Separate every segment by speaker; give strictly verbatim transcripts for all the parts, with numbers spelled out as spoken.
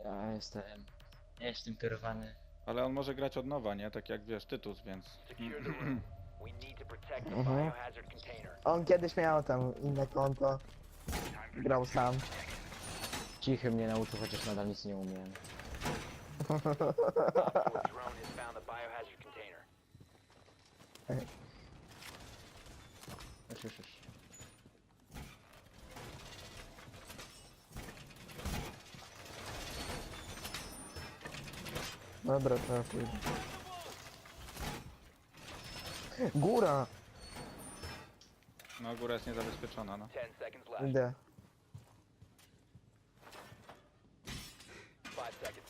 Speaker 1: Ja jestem... Ja jestem kierowany.
Speaker 2: Ale on może grać od nowa, nie? Tak jak wiesz, Tytus, więc...
Speaker 3: Secure the room. We need to protect the
Speaker 4: Mhm.
Speaker 3: biohazard container.
Speaker 4: On kiedyś miał tam inne konto. Grał sam.
Speaker 1: Cichy mnie nauczył, chociaż nadal nic nie umiem.
Speaker 3: Op four drone has found the biohazard container.
Speaker 1: Już, już, już.
Speaker 4: Dobra, to ja pójdę. Góra!
Speaker 2: No góra jest niezabezpieczona, no.
Speaker 3: Ten seconds left.
Speaker 4: Idę.
Speaker 3: Five seconds.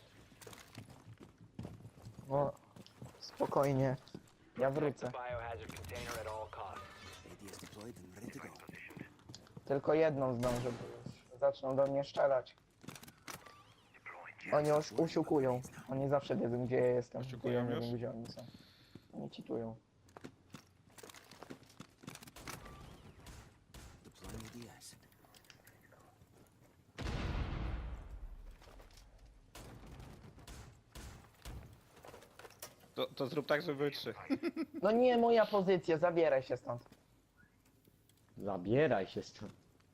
Speaker 4: O, spokojnie. Ja
Speaker 3: Protect the
Speaker 4: wrócę.
Speaker 3: biohazard container at all costs.
Speaker 5: A D is deployed and ready to go.
Speaker 4: Tylko jedną zdążę, bo już zaczną do mnie strzelać. Oni już usiłkują. Oni zawsze wiedzą, gdzie ja jestem.
Speaker 2: Usiłkują
Speaker 4: Ja nie
Speaker 2: już?
Speaker 4: wiem, gdzie oni są. Oni cheatują.
Speaker 5: Deploying A D S.
Speaker 2: To, to zrób tak, żeby były trzy.
Speaker 4: No nie moja pozycja, zabieraj się stąd.
Speaker 1: Zabieraj się stąd.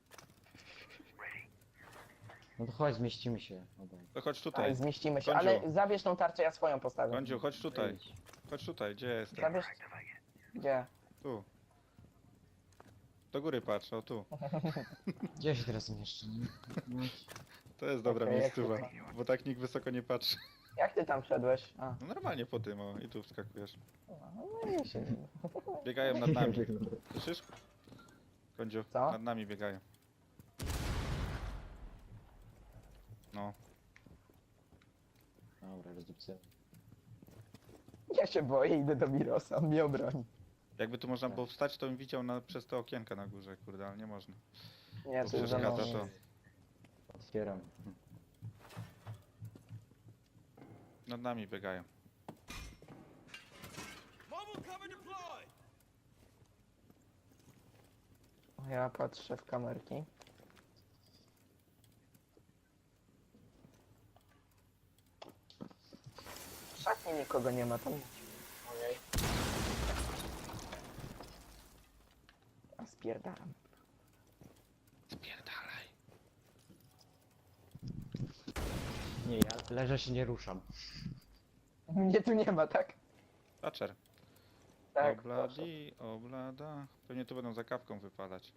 Speaker 1: No to chodź, zmieścimy się obaj.
Speaker 2: To chodź
Speaker 4: Tak,
Speaker 2: tutaj.
Speaker 4: zmieścimy się,
Speaker 2: Kądziu.
Speaker 4: ale zabierz tą tarczę, ja swoją postawię.
Speaker 2: Kądziu, chodź tutaj.
Speaker 1: Idź.
Speaker 2: Chodź tutaj, gdzie jestem?
Speaker 4: Zabierz... Gdzie?
Speaker 2: Tu. Do góry patrz, o tu.
Speaker 1: Gdzie się teraz zmieszczę? No,
Speaker 2: To jest dobra
Speaker 4: Okej,
Speaker 2: miejscowa,
Speaker 4: jak
Speaker 2: bo tak nikt wysoko nie patrzy.
Speaker 4: Jak ty tam wszedłeś? A,
Speaker 2: No normalnie po tym, o, i tu wskakujesz.
Speaker 4: no i się...
Speaker 2: Biegają nad nami. Słyszysz? Kądziu,
Speaker 4: Co?
Speaker 2: nad nami biegają. No.
Speaker 1: Dobra, rozdupcy.
Speaker 4: Ja się boję, idę do Mirosa, on mnie obroni.
Speaker 2: Jakby tu można było wstać, to bym widział na, przez te okienka na górze, kurde, ale nie można.
Speaker 4: Nie,
Speaker 2: To
Speaker 4: to już za
Speaker 2: przeszkadza
Speaker 4: mną.
Speaker 2: to.
Speaker 1: Otwieram.
Speaker 2: Nad nami biegają.
Speaker 4: Ja patrzę w kamerki. W szatni nikogo nie ma, tam... Ojej. A spierdalam.
Speaker 2: Spierdalaj.
Speaker 1: Nie, ja leżę się nie ruszam.
Speaker 4: Mnie tu nie ma, tak?
Speaker 2: Thatcher.
Speaker 4: Tak, proszę.
Speaker 2: Obladi, oblada. Pewnie tu będą za kawką wypadać.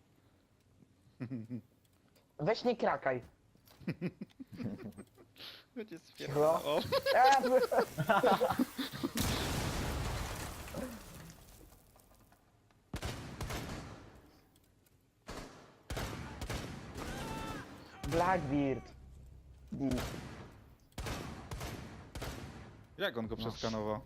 Speaker 4: Weź nie krakaj.
Speaker 2: Będzie
Speaker 4: Cicho.
Speaker 2: spierdalał. O,
Speaker 4: A, b- Blackbeard. D.
Speaker 2: jak on go przeskanował?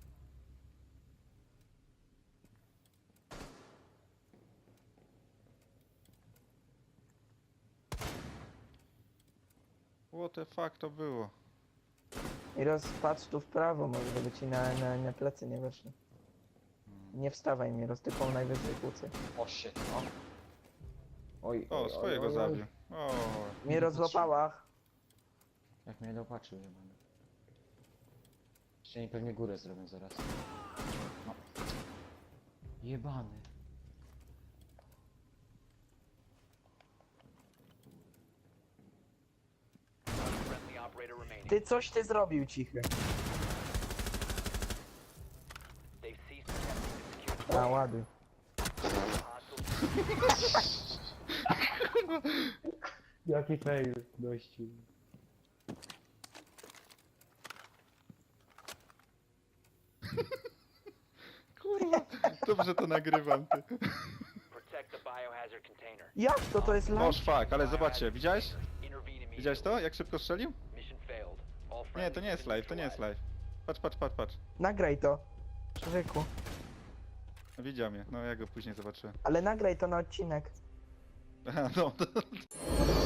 Speaker 2: What the fuck to było?
Speaker 4: I rozpatrz tu w prawo, może żeby ci na, na, na plecy nie weszli. Nie wstawaj mi, roztypą najwyżej kłócy.
Speaker 1: O shit, o. Oj,
Speaker 2: O,
Speaker 1: oj,
Speaker 2: swojego
Speaker 1: oj, oj,
Speaker 2: zabił. O,
Speaker 4: Mnie rozłapała.
Speaker 1: Jak mnie dopatrzył, jebany. Jeszcze nie pewnie górę zrobię zaraz. No. Jebany.
Speaker 3: Friendly operator remaining.
Speaker 4: Ty coś ty zrobił, cichy.
Speaker 3: They've ceased attempting to secure
Speaker 4: A, ładuj.
Speaker 3: hostiles.
Speaker 1: Jaki fail, gościu.
Speaker 2: kurwa. Dobrze to nagrywam, ty.
Speaker 3: Protect the biohazard container.
Speaker 4: Jak to? To jest
Speaker 2: Boż
Speaker 4: live?
Speaker 2: fuck, ale zobaczcie, widziałeś?
Speaker 3: Intervene immediately.
Speaker 2: Widziałeś to? Jak szybko strzelił?
Speaker 3: Mission failed. All
Speaker 2: Nie,
Speaker 3: friendlies
Speaker 2: to nie jest
Speaker 3: have been
Speaker 2: live, to nie jest
Speaker 3: neutralized.
Speaker 2: live. Patrz, patrz, patrz, patrz.
Speaker 4: Nagraj to. Człowieku.
Speaker 2: No, widział mnie, no ja go później zobaczyłem.
Speaker 4: Ale nagraj to na odcinek.
Speaker 2: Aha, no.